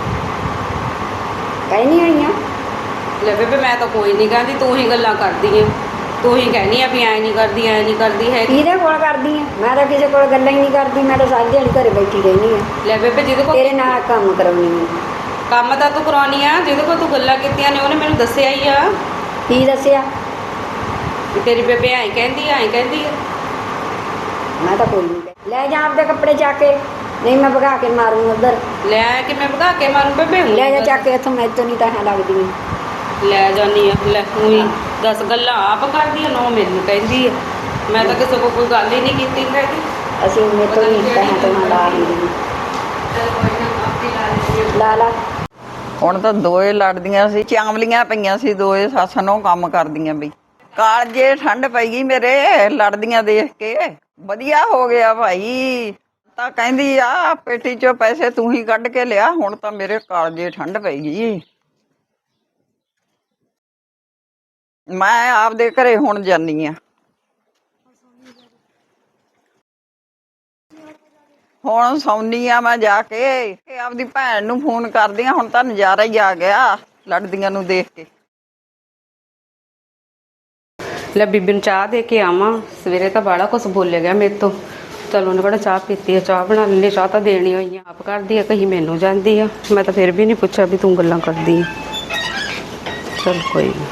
S2: ਕਹਿਨੀ ਆਈਆਂ।
S1: ਲੈ ਬੇਬੇ ਮੈਂ ਤਾਂ ਕੋਈ ਨਹੀਂ ਕਹਿੰਦੀ, ਤੂੰ ਹੀ ਗੱਲਾਂ ਕਰਦੀ ਆ, ਤੂੰ ਹੀ ਕਹਿਨੀ ਆ ਵੀ ਐ ਨਹੀਂ ਕਰਦੀ ਐ ਨਹੀਂ ਕਰਦੀ ਹੈਗੀ।
S2: ਕਿਹਦੇ ਕੋਲ ਕਰਦੀ ਆ? ਮੈਂ ਤਾਂ ਕਿਸੇ ਕੋਲ ਗੱਲਾਂ ਹੀ ਨਹੀਂ ਕਰਦੀ, ਮੈਂ ਤਾਂ ਸਾਰੀ ਦਿਹਾੜੀ ਘਰੇ ਬੈਠੀ ਰਹਿੰਦੀ ਆ।
S1: ਲੈ ਬੇਬੇ ਜਿਹਦੇ ਕੋਲ
S2: ਤੇਰੇ ਨਾਲ ਕੰਮ ਕਰਾਉਣੀ ਆ।
S1: ਕੰਮ ਤਾਂ ਤੂੰ ਕਰਾਉਣੀ ਆ, ਜਿਹਦੇ ਕੋਲ ਤੂੰ ਗੱਲਾਂ ਕੀਤੀਆਂ ਨੇ ਉਹਨੇ ਮੈਨੂੰ ਦੱਸਿਆ ਹੀ ਆ
S2: ਕੀ ਦੱਸਿਆ?
S1: ਵੀ ਤੇਰੀ ਬੇਬੇ ਐਂ ਕਹਿੰਦੀ ਐਂ ਕਹਿੰਦੀ ਆ।
S2: ਮੈਂ ਤਾਂ ਕੋਈ ਨਹੀਂ। ਲੈ ਜਾ ਆਪਦੇ ਕੱਪੜੇ ਚੱਕ ਕੇ, ਨਹੀਂ ਮੈਂ ਭਗਾ ਕੇ ਮਾਰੂ ਉਧਰ।
S1: ਲੈ ਕਿ ਮੈਂ ਭਗਾ ਕੇ ਮਾਰੂ ਬੇਬੇ?
S2: ਲੈ ਜਾ ਚੱਕ ਕੇ ਇੱਥੋਂ, ਮੈਥੋਂ ਨਹੀਂ ਤਾਂ ਹੈ ਲੱਗਦੀ ਆ।
S1: ਲੈ ਜਾਨੀ ਆ। ਲੈ ਉਹੀ ਦਸ ਗੱਲਾਂ ਆਪ ਕਰਦੀ ਆ, ਨੋ ਮੈਨੂੰ ਕਹਿੰਦੀ ਆ। ਮੈਂ ਤਾਂ ਕਿਸੇ ਕੋਲ ਕੋਈ ਗੱਲ ਹੀ ਨਹੀਂ ਕੀਤੀ ਹੈਗੀ।
S2: ਅਸੀਂ ਮੈਥੋਂ ਨਹੀਂ ਤਾਂ ਹੈ ਤੋਂ ਲਾ ਹੁੰਦੀ ਲਾ ਲਾ।
S3: ਹੁਣ ਤਾਂ ਦੋਏ ਲੜਦੀਆਂ ਸੀ, ਚਾਂਵਲੀਆਂ ਪਈਆਂ ਸੀ ਦੋਏ ਸੱਸ ਨੂੰ ਕੰਮ ਕਰਦੀਆਂ ਬਈ। ਕਾਲਜੇ ਠੰਡ ਪਈ ਗਈ ਮੇਰੇ ਲੜਦੀਆਂ ਦੇਖ ਕੇ। ਵਧੀਆ ਹੋ ਗਿਆ ਭਾਈ। ਤਾਂ ਕਹਿੰਦੀ ਆ ਪੇਟੀ ਚੋਂ ਪੈਸੇ ਤੂੰ ਹੀ ਕੱਢ ਕੇ ਲਿਆ। ਹੁਣ ਤਾਂ ਮੇਰੇ ਕਾਲਜੇ ਠੰਡ ਪਈ ਗਈ। ਮੈਂ ਆਪਦੇ ਘਰੇ ਹੁਣ ਜਾਨੀ ਆ। ਹੁਣ ਸੌਂਦੀ ਆ ਮੈਂ ਜਾ ਕੇ। ਆਪਦੀ ਭੈਣ ਨੂੰ ਫੋਨ ਕਰਦੀ ਆ। ਹੁਣ ਤਾਂ ਨਜ਼ਾਰਾ ਹੀ ਆ ਗਿਆ ਲੜਦੀਆਂ ਨੂੰ ਦੇਖ ਕੇ।
S1: ਲੈ ਬੀਬੀ ਨੂੰ ਚਾਹ ਦੇ ਕੇ ਆਵਾਂ। ਸਵੇਰੇ ਤਾਂ ਬਾਹਲਾ ਕੁਛ ਬੋਲਿਆ ਗਿਆ ਮੇਰੇ ਤੋਂ। ਚਲ ਉਹਨੇ ਕਿਹੜਾ ਚਾਹ ਪੀਤੀ ਆ, ਚਾਹ ਬਣਾ ਲੈਂਦੀ। ਚਾਹ ਤਾਂ ਦੇਣੀ ਹੋਈ ਆ, ਆਪ ਕਰਦੀ ਆ, ਕਹੀ ਮੈਨੂੰ ਜਾਂਦੀ ਆ। ਮੈਂ ਤਾਂ ਫਿਰ ਵੀ ਨਹੀਂ ਪੁੱਛਿਆ ਵੀ ਤੂੰ ਗੱਲਾਂ ਕਰਦੀ ਆ। ਚਲ ਕੋਈ ਨਹੀਂ।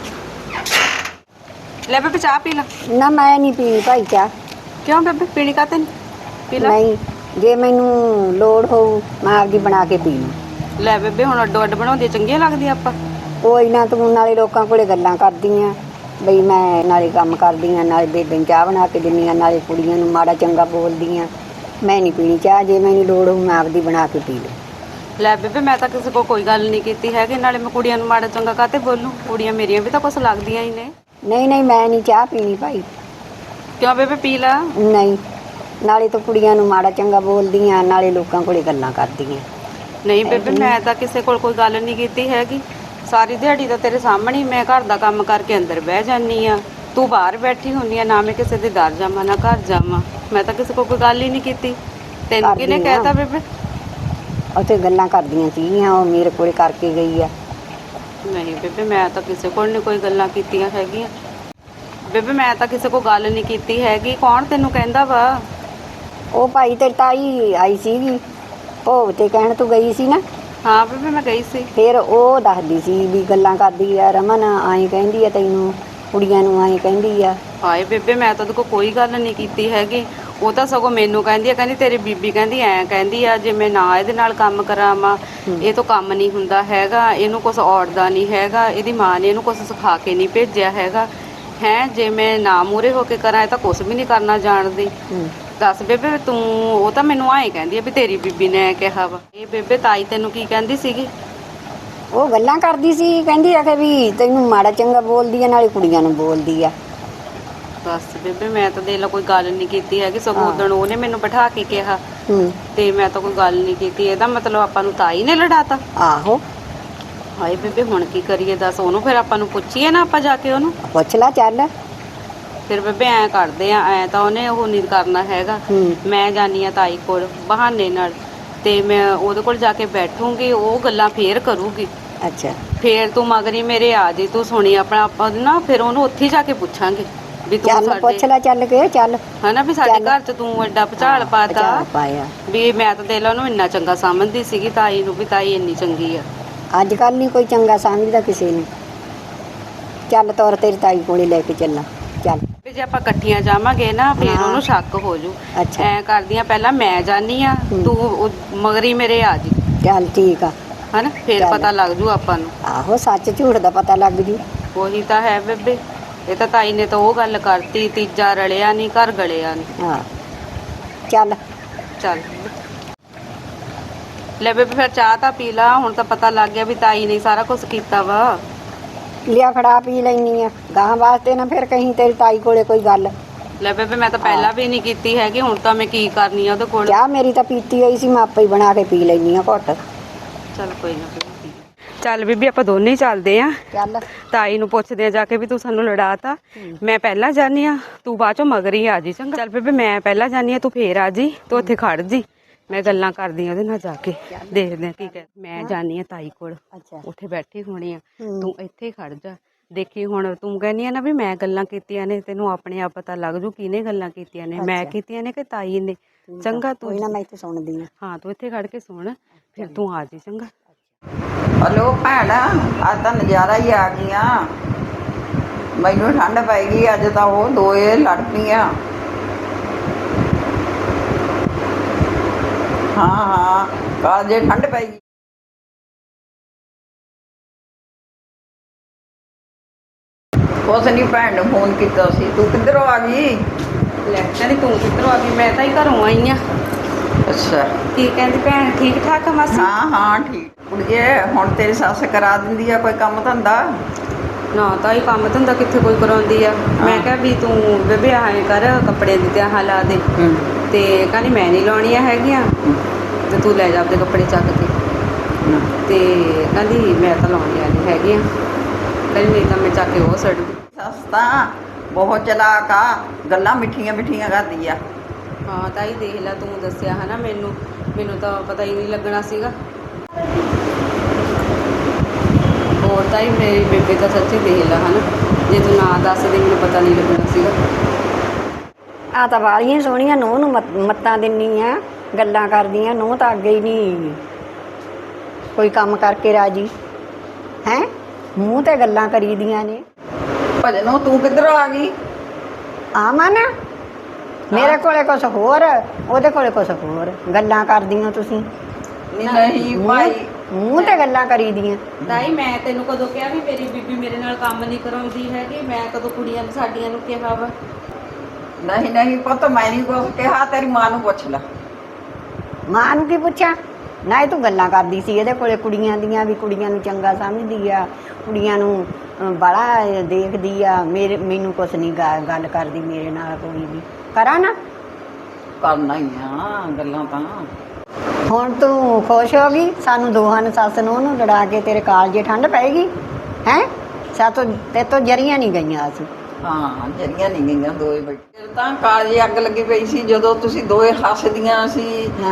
S1: ਲੈ ਬੇਬੇ ਚਾਹ ਪੀ ਲੈ।
S2: ਨਾ ਮੈਂ ਨਹੀਂ ਪੀਣੀ ਭਾਈ ਚਾਹ।
S1: ਕਿਉਂ ਬੇਬੇ ਪੀਣੀ ਕਾਤੇ ਨਹੀਂ? ਪੀ ਲੈ।
S2: ਨਹੀਂ, ਜੇ ਮੈਨੂੰ ਲੋੜ ਹੋਊ ਮੈਂ ਆਪਦੀ ਬਣਾ ਕੇ ਪੀ ਲੂੰ।
S1: ਲੈ ਬੇਬੇ ਹੁਣ ਅੱਡੋ ਅੱਡ ਬਣਾਉਂਦੀ ਚੰਗੀਆਂ ਲੱਗਦੀਆਂ ਆਪਾਂ।
S2: ਕੋਈ ਨਾ, ਤੂੰ ਨਾਲੇ ਲੋਕਾਂ ਕੋਲੇ ਗੱਲਾਂ ਕਰਦੀ ਆ ਬਈ ਮੈਂ ਨਾਲੇ ਕੰਮ ਕਰਦੀ ਆ, ਨਾਲੇ ਬੇਬੇ ਨੂੰ ਚਾਹ ਬਣਾ ਕੇ ਦਿੰਦੀ ਆ, ਨਾਲੇ ਕੁੜੀਆਂ ਨੂੰ ਮਾੜਾ ਚੰਗਾ ਬੋਲਦੀ ਆ। ਮੈਂ ਨਹੀਂ ਪੀਣੀ ਚਾਹ, ਜੇ ਮੈਨੂੰ ਲੋੜ ਹੋਊ ਮੈਂ ਆਪਦੀ ਬਣਾ ਕੇ ਪੀ ਲੂੰ।
S1: ਲੈ ਬੇਬੇ ਮੈਂ ਤਾਂ ਕਿਸੇ ਕੋਲ ਕੋਈ ਗੱਲ ਨਹੀਂ ਕੀਤੀ ਹੈਗੀ। ਨਾਲੇ ਮੈਂ ਕੁੜੀਆਂ ਨੂੰ ਮਾੜਾ ਚੰਗਾ ਕਾਤੇ ਬੋਲੂੰ? ਕੁੜੀਆਂ ਮੇਰੀਆਂ ਵੀ ਤਾਂ ਕੁਛ ਲੱਗਦੀਆਂ ਹੀ ਨੇ।
S2: ਨਹੀਂ ਨਹੀਂ, ਮੈਂ ਨਹੀਂ ਚਾਹ ਪੀਣੀ ਭਾਈ।
S1: ਕਿਉਂ ਬੇਬੇ ਪੀ ਲੈ।
S2: ਨਹੀਂ, ਨਾਲੇ ਤੂੰ ਕੁੜੀਆਂ ਨੂੰ ਮਾੜਾ ਚੰਗਾ ਬੋਲਦੀ ਆ, ਨਾਲੇ ਲੋਕਾਂ ਕੋਲੇ ਗੱਲਾਂ ਕਰਦੀ ਆ।
S1: ਨਹੀਂ ਬੇਬੇ ਮੈਂ ਤਾਂ ਕਿਸੇ ਕੋਲ ਕੋਈ ਗੱਲ ਨਹੀਂ ਕੀਤੀ ਹੈਗੀ। ਸਾਰੀ ਦਿਹਾੜੀ ਤਾਂ ਤੇਰੇ ਸਾਹਮਣੇ ਹੀ ਮੈਂ ਘਰ ਦਾ ਕੰਮ ਕਰਕੇ ਅੰਦਰ ਬਹਿ ਜਾਂਦੀ ਆ। ਤੂੰ ਬਾਹਰ ਬੈਠੀ ਹੁੰਦੀ ਆ, ਨਾ ਮੈਂ ਕਿਸੇ ਦੇ ਦਰ ਜਾਵਾਂ ਨਾ ਘਰ ਜਾਵਾਂ। ਮੈਂ ਤਾਂ ਕਿਸੇ ਕੋਲ ਕੋਈ ਗੱਲ ਹੀ ਨਹੀਂ ਕੀਤੀ। ਤੈਨੂੰ ਕਿਹਨੇ
S2: ਕਰਦੀ ਆ।
S1: ਕਹਿਤਾ ਬੇਬੇ?
S2: ਉੱਥੇ ਗੱਲਾਂ ਕਰਦੀਆਂ ਸੀਗੀਆਂ, ਉਹ ਮੇਰੇ ਕੋਲੇ ਕਰਕੇ ਗਈ ਆ।
S1: ਨਹੀਂ ਬੇਬੇ ਮੈਂ ਤਾਂ ਕਿਸੇ ਕੋਲ ਨਹੀਂ ਕੋਈ ਗੱਲਾਂ ਕੀਤੀਆਂ ਹੈਗੀਆਂ। ਬੇਬੇ ਮੈਂ ਤਾਂ ਕਿਸੇ ਕੋਲ ਗੱਲ ਨਹੀਂ ਕੀਤੀ ਹੈਗੀ। ਕੌਣ ਤੈਨੂੰ ਕਹਿੰਦਾ ਵਾ?
S2: ਉਹ ਭਾਈ ਤੇਰੀ ਤਾਈ ਆਈ ਸੀਗੀ ਭੋਗ ਤੇ, ਕਹਿਣ ਤੂੰ ਗਈ ਸੀ ਨਾ।
S1: ਹਾਂ ਬੇਬੇ ਮੈਂ ਗਈ ਸੀ।
S2: ਫਿਰ ਉਹ ਦੱਸਦੀ ਸੀ ਵੀ ਗੱਲਾਂ ਕਰਦੀ ਆ, ਰਮਨ ਆਏ ਕਹਿੰਦੀ ਆ ਤੈਨੂੰ, ਕੁੜੀਆਂ ਨੂੰ ਆਏ ਕਹਿੰਦੀ ਆ।
S1: ਹਾਏ ਬੇਬੇ ਮੈਂ ਤਾਂ ਉਹਦੇ ਕੋਲ ਕੋਈ ਗੱਲ ਨਹੀਂ ਕੀਤੀ ਹੈਗੀ। ਉਹ ਤਾਂ ਸਗੋਂ ਮੈਨੂੰ ਕਹਿੰਦੀ ਆ, ਕਹਿੰਦੀ ਤੇਰੀ ਬੀਬੀ ਕਹਿੰਦੀ ਐਂ ਕਹਿੰਦੀ ਆ ਜੇ ਮੈਂ ਨਾ ਇਹਦੇ ਨਾਲ ਕੰਮ ਕਰਾਵਾਂ ਇਹ ਤੋਂ ਕੰਮ ਨਹੀਂ ਹੁੰਦਾ ਹੈਗਾ, ਇਹਨੂੰ ਕੁਛ ਔੜਦਾ ਨਹੀਂ ਹੈਗਾ, ਇਹਦੀ ਮਾਂ ਨੇ ਇਹਨੂੰ ਕੁਛ ਸਿਖਾ ਕੇ ਨਹੀਂ ਭੇਜਿਆ ਹੈਗਾ ਹੈ। ਜੇ ਮੈਂ ਨਾ ਮੂਹਰੇ ਹੋ ਕੇ ਕਰਾਂ ਇਹ ਤਾਂ ਕੁਛ ਵੀ ਨਹੀਂ ਕਰਨਾ ਜਾਣਦੀ। ਦੱਸ ਬੇਬੇ ਤੂੰ, ਉਹ ਤਾਂ ਮੈਨੂੰ ਆਏ ਕਹਿੰਦੀ ਆ ਵੀ ਤੇਰੀ ਬੀਬੀ ਨੇ ਕਿਹਾ ਵਾ। ਇਹ ਬੇਬੇ ਤਾਈ ਤੈਨੂੰ ਕੀ ਕਹਿੰਦੀ ਸੀਗੀ?
S2: ਉਹ ਗੱਲਾਂ ਕਰਦੀ ਸੀ, ਕਹਿੰਦੀ ਆ ਕਿ ਵੀ ਤੈਨੂੰ ਮਾੜਾ ਚੰਗਾ ਬੋਲਦੀ ਆ, ਨਾਲੇ ਕੁੜੀਆਂ ਨੂੰ ਬੋਲਦੀ ਆ।
S1: ਬਸ ਬੇਬੇ ਮੈਂ ਤਾਂ ਦੇਖ ਲਾ ਕੋਈ ਗੱਲ ਨਹੀਂ ਕੀਤੀ ਹੈਗੀ। ਸਗੋਂ ਉਦਣ ਉਹਨੇ ਮੈਨੂੰ ਬਿਠਾ ਕੇ ਕਿਹਾ
S2: ਹੂੰ
S1: ਤੇ ਮੈਂ ਤਾਂ ਕੋਈ ਗੱਲ ਨਹੀਂ ਕੀਤੀ। ਇਹਦਾ ਮਤਲਬ ਆਪਾਂ ਨੂੰ ਤਾਈ ਨੇ ਲੜਾਤਾ।
S2: ਆਹੋ।
S1: ਹਾਏ ਬੇਬੇ ਹੁਣ ਕੀ ਕਰੀਏ ਦੱਸ? ਉਹਨੂੰ ਫਿਰ ਆਪਾਂ ਨੂੰ ਪੁੱਛੀਏ ਨਾ ਆਪਾਂ ਜਾ ਕੇ ਉਹਨੂੰ।
S2: ਪੁੱਛ ਲੈ ਚੱਲ।
S1: ਫਿਰ ਬੇਬੇ ਐਂ ਕਰਦੇ ਆ, ਐਂ ਤਾਂ ਉਹਨੇ ਉਹ ਨਹੀਂ ਕਰਨਾ ਹੈਗਾ।
S2: ਹੂੰ
S1: ਮੈਂ ਜਾਨੀ ਆ ਤਾਈ ਕੋਲ ਬਹਾਨੇ ਨਾਲ, ਤੇ ਮੈਂ ਉਹਦੇ ਕੋਲ ਜਾ ਕੇ ਬੈਠੂੰਗੀ। ਉਹ ਗੱਲਾਂ ਫੇਰ ਕਰੂਗੀ।
S2: ਅੱਛਾ
S1: ਫੇਰ ਤੂੰ ਮਗਰੀ ਮੇਰੇ ਆ ਜੇ ਤੂੰ ਸੁਣੀ ਆਪਣਾ ਆਪਾਂ ਨਾ, ਫਿਰ ਉਹਨੂੰ ਉੱਥੇ ਜਾ ਕੇ ਪੁੱਛਾਂਗੇ। ਵੀ ਤੂੰ
S2: ਚੱਲ ਪੁੱਛ
S1: ਸਾਡੇ
S2: ਲੈ ਚੱਲ ਕੇ ਚੱਲ
S1: ਹਨਾ ਵੀ ਸਾਡੇ ਘਰ ਚ ਤੂੰ ਐਡਾ ਭੁਚਾਲ ਪਾਤਾ
S2: ਚੱਲ ਪਾਇਆ।
S1: ਵੀ ਮੈਂ ਤਾਂ ਦੇ ਲਾ ਉਹਨੂੰ ਇੰਨਾ ਚੰਗਾ ਸਮਝਦੀ ਸੀਗੀ ਤਾਈ ਨੂੰ ਵੀ ਤਾਈ ਇੰਨੀ ਚੰਗੀ ਆ।
S2: ਅੱਜ ਕੱਲ ਨਹੀਂ ਕੋਈ ਚੰਗਾ ਸਮਝਦਾ ਕਿਸੇ ਨੂੰ। ਚੱਲ ਤੁਰ ਤੇਰੀ ਤਾਈ ਕੋਲੇ ਲੈ ਕੇ ਚੱਲਾਂ ਚੱਲ।
S1: ਵੀ ਜੇ ਆਪਾਂ ਇਕੱਠੀਆਂ ਜਾਵਾਂਗੇ ਨਾ ਫਿਰ
S2: ਹਾਂ।
S1: ਉਹਨੂੰ ਸ਼ੱਕ ਹੋ ਜੂ।
S2: ਅੱਛਾ।
S1: ਐ ਕਰਦੀਆਂ ਪਹਿਲਾਂ ਮੈਂ ਜਾਨੀ ਆ ਤੂੰ ਉਹ ਮਗਰੀ ਮੇਰੇ ਆ ਜੀ
S2: ਚੱਲ ਠੀਕ ਆ।
S1: ਹਨਾ ਫਿਰ
S2: ਚੱਲ।
S1: ਪਤਾ ਲੱਗ ਜੂ ਆਪਾਂ ਨੂੰ।
S2: ਆਹੋ ਸੱਚ ਝੂਠ ਦਾ ਪਤਾ ਲੱਗ ਜੂ।
S1: ਉਹੀ ਤਾਂ ਹੈ ਬੇਬੇ। ਇਹ ਤਾਂ ਤਾਈ ਨੇ ਤਾਂ ਉਹ ਗੱਲ ਕਰਤੀ ਤੀਜਾ ਰਲਿਆ ਨਹੀਂ ਘਰ ਗਲਿਆ ਨਹੀਂ।
S2: ਹਾਂ ਚੱਲ
S1: ਚੱਲ ਲੈ ਬੇਬੇ ਫਿਰ ਚਾਹ ਤਾਂ ਪੀ ਲਾ। ਹੁਣ ਤਾਂ ਪਤਾ ਲੱਗ ਗਿਆ ਵੀ ਤਾਈ ਨੇ ਸਾਰਾ ਕੁਝ ਕੀਤਾ ਵਾ।
S2: ਲਿਆ ਫੜਾ ਪੀ ਲੈਣੀ ਆ ਗਾਂ ਵਾਸਤੇ ਨਾ ਫਿਰ ਕਹੀਂ ਤੇਰੀ ਤਾਈ ਕੋਲੇ ਕੋਈ ਗੱਲ।
S1: ਲੈ ਬੇਬੇ ਮੈਂ ਤਾਂ ਪਹਿਲਾਂ ਵੀ ਨਹੀਂ ਕੀਤੀ ਹੈਗੀ ਹੁਣ ਤਾਂ ਮੈਂ ਕੀ ਕਰਨੀ ਆ ਉਹਦੇ ਕੋਲ।
S2: ਚਾਹ ਮੇਰੀ ਤਾਂ ਪੀਤੀ ਹੋਈ ਸੀ ਮੈਂ ਆਪੇ ਹੀ ਬਣਾ ਕੇ ਪੀ ਲੈਣੀ ਆ ਘੁੱਟ।
S1: ਚੱਲ ਕੋਈ ਨਾ ਬੇਬੇ। ਚੱਲ ਬੀਬੀ ਆਪਾਂ ਦੋਨੇ ਹੀ ਚੱਲਦੇ ਆ।
S2: ਚੱਲ
S1: ਤਾਈ ਨੂੰ ਪੁੱਛਦੇ ਆ ਜਾ ਕੇ ਵੀ ਤੂੰ ਸਾਨੂੰ ਲੜਾਤਾ। ਮੈਂ ਪਹਿਲਾਂ ਜਾਨੀ ਆ ਤੂੰ ਬਾਅਦ ਚੋਂ ਮਗਰ ਹੀ ਆ ਜੀ ਚੰਗਾ। ਚੱਲ ਬੇਬੇ ਮੈਂ ਪਹਿਲਾਂ ਜਾਨੀ ਆ ਤੂੰ ਫੇਰ ਆ ਜੀ ਤੂੰ ਉੱਥੇ ਖੜ ਜੀ। ਮੈਂ ਗੱਲਾਂ ਕਰਦੀ ਆ ਉਹਦੇ ਨਾਲ ਜਾ ਕੇ ਦੇਖਦੇ ਆ ਕੀ ਕਹਿ। ਮੈਂ ਜਾਨੀ ਆ ਤਾਈ ਕੋਲ
S2: ਅੱਛਾ
S1: ਉੱਥੇ ਬੈਠੀ ਹੋਣੀ ਆ ਤੂੰ ਇੱਥੇ ਖੜ ਜਾ। ਦੇਖੀ ਹੁਣ ਤੂੰ ਕਹਿੰਦੀ ਆ ਨਾ ਵੀ ਮੈਂ ਗੱਲਾਂ ਕੀਤੀਆਂ ਨੇ ਤੈਨੂੰ ਆਪਣੇ ਆਪ ਪਤਾ ਲੱਗ ਜੂ ਕਿਹਨੇ ਗੱਲਾਂ ਕੀਤੀਆਂ ਨੇ ਮੈਂ ਕੀਤੀਆਂ ਨੇ ਕਿ ਤਾਈ ਨੇ। ਚੰਗਾ ਤੂੰ
S2: ਕੋਈ ਨਾ ਮੈਂ ਇੱਥੇ ਸੁਣਦੀ ਆ।
S1: ਹਾਂ ਤੂੰ ਇੱਥੇ ਖੜ ਕੇ ਸੁਣ ਫਿਰ ਤੂੰ ਆ ਜੀ ਚੰਗਾ।
S3: ਹਲੋ ਭੈਣ ਅੱਜ ਤਾਂ ਨਜ਼ਾਰਾ ਹੀ ਆ ਗਿਆ। ਮੈਨੂੰ ਠੰਡ ਪੈ ਗਈ ਅੱਜ ਤਾਂ ਉਹ ਦੋਏ ਲੜ ਪਈਆਂ। ਹਾਂ ਹਾਂ ਕੱਲ ਜੇ ਠੰਡ ਪੈ ਗਈ। ਉਸ ਨੇ ਭੈਣ ਨੂੰ ਫੋਨ ਕੀਤਾ ਸੀ ਤੂੰ ਕਿੱਧਰੋਂ ਆ ਗਈ।
S1: ਲੈ ਕਹਿੰਦੀ ਤੂੰ ਕਿੱਧਰੋਂ ਆ ਗਈ ਮੈਂ ਤਾਂ ਹੀ ਘਰੋਂ ਆਈ ਆ।
S3: ਅੱਛਾ
S1: ਕੀ ਕਹਿੰਦੀ ਭੈਣ ਠੀਕ ਠਾਕ ਆ ਮਾਸੀ।
S3: ਹਾਂ ਹਾਂ ਠੀਕ ਕੁੜੀਏ ਹੁਣ ਤੇਰੀ ਸੱਸ ਕਰਾ ਦਿੰਦੀ ਆ ਕੋਈ ਕੰਮ ਧੰਦਾ।
S1: ਨਾ ਤਾਂ ਹੀ ਕੰਮ ਧੰਦਾ ਕਿੱਥੇ ਕੋਈ ਕਰਾਉਂਦੀ ਆ। ਮੈਂ ਕਿਹਾ ਵੀ ਤੂੰ ਬੇਬੇ ਆਏ ਕਰ ਕੱਪੜੇ ਦੀ ਤਿਆਹ ਲਾ ਦੇ ਤੇ ਕਹਿੰਦੀ ਮੈਂ ਨਹੀਂ ਲਾਉਣੀਆਂ ਹੈਗੀਆਂ ਤੇ ਤੂੰ ਲੈ ਜਾ ਆਪਣੇ ਕੱਪੜੇ ਚੱਕ ਕੇ ਤੇ ਕਹਿੰਦੀ ਮੈਂ ਤਾਂ ਲਾਉਣੀਆਂ ਨਹੀਂ ਹੈਗੀਆਂ ਕਹਿੰਦੀ ਨਹੀਂ ਤਾਂ ਮੈਂ ਚੱਕ ਕੇ ਉਹ ਛੱਡ ਦੂੰ।
S3: ਸੱਸ ਤਾਂ ਬਹੁਤ ਚਲਾਕ ਆ ਗੱਲਾਂ ਮਿੱਠੀਆਂ ਮਿੱਠੀਆਂ ਕਰਦੀ ਆ।
S1: ਹਾਂ ਤਾਈ ਦੇਖ ਲੈ ਤੂੰ ਦੱਸਿਆ ਹਨਾ ਮੈਨੂੰ ਮੈਨੂੰ ਤਾਂ ਪਤਾ ਹੀ ਨਹੀਂ ਲੱਗਣਾ ਸੀਗਾ। ਹੋਰ ਤਾਈ ਮੇਰੀ ਬੇਬੇ ਤਾਂ ਸੱਚੀ ਦੇਖ ਲੈ ਹਨਾ ਜੇ ਤੂੰ ਨਾ ਦੱਸਦੀ ਮੈਨੂੰ ਪਤਾ ਨਹੀਂ ਲੱਗਣਾ ਸੀਗਾ।
S2: ਆ ਤਾਂ ਵਾਲੀਆਂ ਸੋਹਣੀਆਂ ਨੂੰਹ ਨੂੰ ਮੱਤ- ਮੱਤਾਂ ਦਿੰਨੀ ਆ ਗੱਲਾਂ ਕਰਦੀਆਂ ਨੂੰਹ ਤਾਂ ਅੱਗੇ ਹੀ ਨਹੀਂ ਕੋਈ ਕੰਮ ਕਰਕੇ ਰਾਜੀ ਹੈ ਮੂੰਹ ਤੇ ਗੱਲਾਂ ਕਰੀਦੀਆਂ ਨੇ।
S3: ਭਜਨੋਂ ਤੂੰ ਕਿੱਧਰੋਂ ਆ ਗਈ।
S2: ਆਵਾਂ ਨਾ ਮੇਰੇ ਕੋਲੇ ਕੁਛ ਹੋਰ ਉਹਦੇ ਕੋਲੇ ਕੁਛ ਹੋਰ ਗੱਲਾਂ ਕਰਦੀਆਂ ਤੁਸੀਂ।
S3: ਨਹੀਂ ਨਹੀਂ ਭਾਈ
S2: ਮੂੰਹ ਤੇ ਗੱਲਾਂ ਕਰੀਦੀਆਂ।
S1: ਤਾਈ ਮੈਂ ਤੈਨੂੰ ਕਦੋਂ ਕਿਹਾ ਵੀ ਮੇਰੀ ਬੀਬੀ ਮੇਰੇ ਨਾਲ ਕੰਮ ਨਹੀਂ ਕਰਾਉਂਦੀ ਹੈਗੀ। ਮੈਂ ਕਦੋਂ ਕੁੜੀਆਂ ਨੂੰ ਸਾਡੀਆਂ ਨੂੰ ਕਿਹਾ ਵਾ।
S3: ਨਹੀਂ ਨਹੀਂ ਪੁੱਤ ਮੈਂ ਨਹੀਂ ਕੁਛ ਕਿਹਾ ਤੇਰੀ ਮਾਂ ਨੂੰ ਪੁੱਛ ਲੈ।
S2: ਮਾਂ ਨੂੰ ਕੀ ਪੁੱਛਾਂ ਨਾ ਇਹ ਤੂੰ ਗੱਲਾਂ ਕਰਦੀ ਸੀ ਇਹਦੇ ਕੋਲੇ ਕੁੜੀਆਂ ਦੀਆਂ ਵੀ ਕੁੜੀਆਂ ਨੂੰ ਚੰਗਾ ਸਮਝਦੀ ਆ ਕੁੜੀਆਂ ਨੂੰ ਬੜਾ ਦੇਖਦੀ ਆ ਮੇਰੇ ਮੈਨੂੰ ਕੁਛ ਨਹੀਂ ਗੱਲ ਕਰਦੀ ਮੇਰੇ ਨਾਲ ਕੋਈ ਵੀ ਕਰਾਂ ਨਾ।
S3: ਕਰਨਾ ਹੀ ਆ ਗੱਲਾਂ ਤਾਂ।
S2: ਹੁਣ ਤੂੰ ਖੁਸ਼ ਹੋ ਗਈ ਸਾਨੂੰ ਦੋਹਾਂ ਨੂੰ ਸੱਸ ਨੂੰ ਉਹਨੂੰ ਲੜਾ ਕੇ ਤੇਰੇ ਕਾਲਜੇ ਠੰਡ ਪਏਗੀ ਹੈ ਸਾਤੋਂ ਤੇ ਤੋਂ ਜਰੀਆਂ ਨਹੀਂ ਗਈਆਂ ਅਸੀਂ।
S3: ਹਾਂ ਜਰੀਆਂ ਨਹੀਂ ਗਈਆਂ ਦੋਏ ਬੈਠੇ ਫਿਰ ਤਾਂ ਕਾਲਜੇ ਅੱਗ ਲੱਗੀ ਪਈ ਸੀ ਜਦੋਂ ਤੁਸੀਂ ਦੋਏ ਹੱਸਦੀਆਂ ਸੀ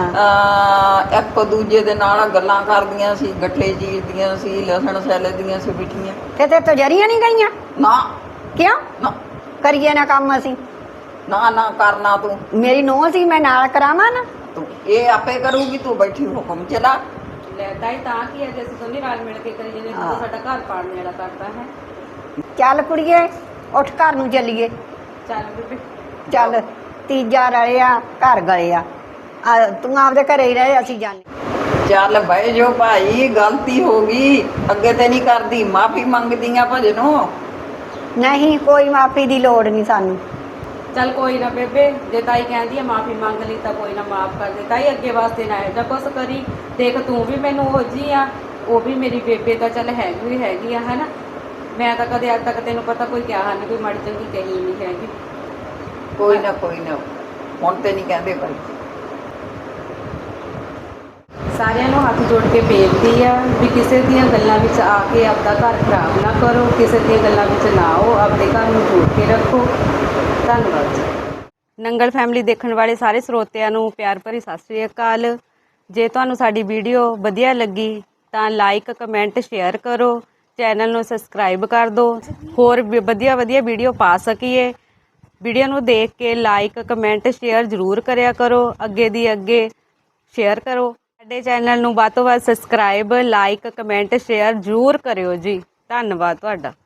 S3: ਅਹ ਇੱਕ ਦੂਜੇ ਦੇ ਨਾਲ ਗੱਲਾਂ ਕਰਦੀਆਂ ਸੀ ਗੱਠੇ ਚੀਰਦੀਆਂ ਸੀ ਲਸਣ ਸੈਲੇ ਦੀਆਂ ਸੀ ਬਿਠੀਆਂ
S2: ਤੇ ਤੇ ਤੋਂ ਜਰੀਆਂ ਨਹੀਂ ਗਈਆਂ
S3: ਨਾ
S2: ਕਿਉਂ
S3: ਨਾ
S2: ਕਰੀਏ ਨਾ ਕੰਮ ਅਸੀਂ।
S3: ਨਾ ਨਾ ਕਰਨਾ ਤੂੰ
S2: ਮੇਰੀ ਨੂੰਹ ਸੀ ਮੈਂ ਨਾਲ ਕਰਾਵਾਂ ਨਾ।
S3: ਤੂੰ ਇਹ ਆਪੇ ਕਰੂਗੀ ਤੂੰ ਬੈਠੀ ਹੁਕਮ ਚਲਾ।
S1: ਲੈ ਤਾਈ ਤਾਂ ਕੀ ਹੈ ਜੇ ਅਸੀਂ ਦੋਨੇ ਰਲ ਮਿਲ ਕੇ ਕਰੀ ਜਾਂਦੇ ਤੂੰ ਸਾਡਾ ਘਰ ਪਾੜਨੇ ਵਾਲਾ ਕਰਦਾ ਹੈ।
S2: ਚੱਲ ਕੁੜੀਏ ਉੱਠ ਘਰ ਨੂੰ ਚੱਲੀਏ।
S1: ਚੱਲ ਬੇਬੇ
S2: ਚੱਲ ਤੀਜਾ ਰਲਿਆ ਘਰ ਗਲਿਆ ਆ ਤੂੰ ਆਪਦੇ ਘਰੇ ਹੀ ਰਹੇ ਅਸੀਂ ਜਾਣੇ।
S3: ਚੱਲ ਬਹਿ ਜੋ ਭਾਈ ਗਲਤੀ ਹੋ ਗਈ ਅੱਗੇ ਤੇ ਨਹੀਂ ਕਰਦੀ ਮਾਫੀ ਮੰਗਦੀਆਂ ਭਜਨੋਂ।
S2: ਨਹੀਂ ਕੋਈ ਮਾਫੀ ਦੀ ਲੋੜ ਨਹੀਂ ਸਾਨੂੰ।
S1: ਚੱਲ ਕੋਈ ਨਾ ਬੇਬੇ ਜੇ ਤਾਈ ਕਹਿੰਦੀ ਆ ਮਾਫੀ ਮੰਗ ਲਈ ਤਾਂ ਕੋਈ ਨਾ ਮਾਫ ਕਰ ਦੇ ਤਾਈ ਅੱਗੇ ਵਾਸਤੇ ਨਾ ਇਹੋ ਜਿਹਾ ਕੁਛ ਕਰੀ। ਦੇਖ ਤੂੰ ਵੀ ਮੈਨੂੰ ਉਹ ਜੀ ਆ ਉਹ ਵੀ ਮੇਰੀ ਬੇਬੇ ਤਾਂ ਚੱਲ ਹੈਗੀ ਹੈਗੀ ਆ ਹਨਾ। ਮੈਂ ਤਾਂ ਕਦੇ ਅੱਜ ਤੱਕ ਤੈਨੂੰ ਪਤਾ ਕੋਈ ਕਿਹਾ ਨਹੀਂ ਕੋਈ ਮਾੜੀ ਚੰਗੀ ਕਹੀ ਨਹੀਂ ਹੈਗੀ।
S3: ਕੋਈ ਨਾ ਕੋਈ ਨਾ ਹੁਣ ਤੇ ਨਹੀਂ ਕਹਿੰਦੇ ਭਾਈ।
S1: ਸਾਰਿਆਂ ਨੂੰ ਹੱਥ ਜੋੜ ਕੇ ਬੇਨਤੀ ਆ ਵੀ ਕਿਸੇ ਦੀਆਂ ਗੱਲਾਂ ਵਿੱਚ ਆ ਕੇ ਆਪਦਾ ਘਰ ਖਰਾਬ ਨਾ ਕਰੋ ਕਿਸੇ ਦੀਆਂ ਗੱਲਾਂ ਵਿੱਚ ਨਾ ਆਓ ਆਪਦੇ ਘਰ ਨੂੰ ਜੋੜ ਕੇ ਰੱਖੋ। ਧੰਨਵਾਦ ਜੀ। ਨੰਗਲ ਫੈਮਿਲੀ ਦੇਖਣ ਵਾਲੇ ਸਾਰੇ ਸਰੋਤਿਆਂ ਨੂੰ ਪਿਆਰ ਭਰੀ ਸਤਿ ਸ੍ਰੀ ਅਕਾਲ। ਜੇ ਤੁਹਾਨੂੰ ਸਾਡੀ ਵੀਡੀਓ ਵਧੀਆ ਲੱਗੀ ਤਾਂ ਲਾਈਕ ਕਮੈਂਟ ਸ਼ੇਅਰ ਕਰੋ ਚੈਨਲ ਨੂੰ ਸਬਸਕ੍ਰਾਈਬ ਕਰ ਦਿਓ ਹੋਰ ਵਧੀਆ ਵਧੀਆ ਵੀਡੀਓ ਪਾ ਸਕੀਏ। ਵੀਡੀਓ ਨੂੰ ਦੇਖ ਕੇ ਲਾਈਕ ਕਮੈਂਟ ਸ਼ੇਅਰ ਜ਼ਰੂਰ ਕਰਿਆ ਕਰੋ, ਅੱਗੇ ਦੀ ਅੱਗੇ ਸ਼ੇਅਰ ਕਰੋ। ਸਾਡੇ ਚੈਨਲ ਨੂੰ ਵੱਧ ਤੋਂ ਵੱਧ ਸਬਸਕ੍ਰਾਈਬ ਲਾਈਕ ਕਮੈਂਟ ਸ਼ੇਅਰ ਜ਼ਰੂਰ ਕਰਿਓ ਜੀ। ਧੰਨਵਾਦ ਤੁਹਾਡਾ।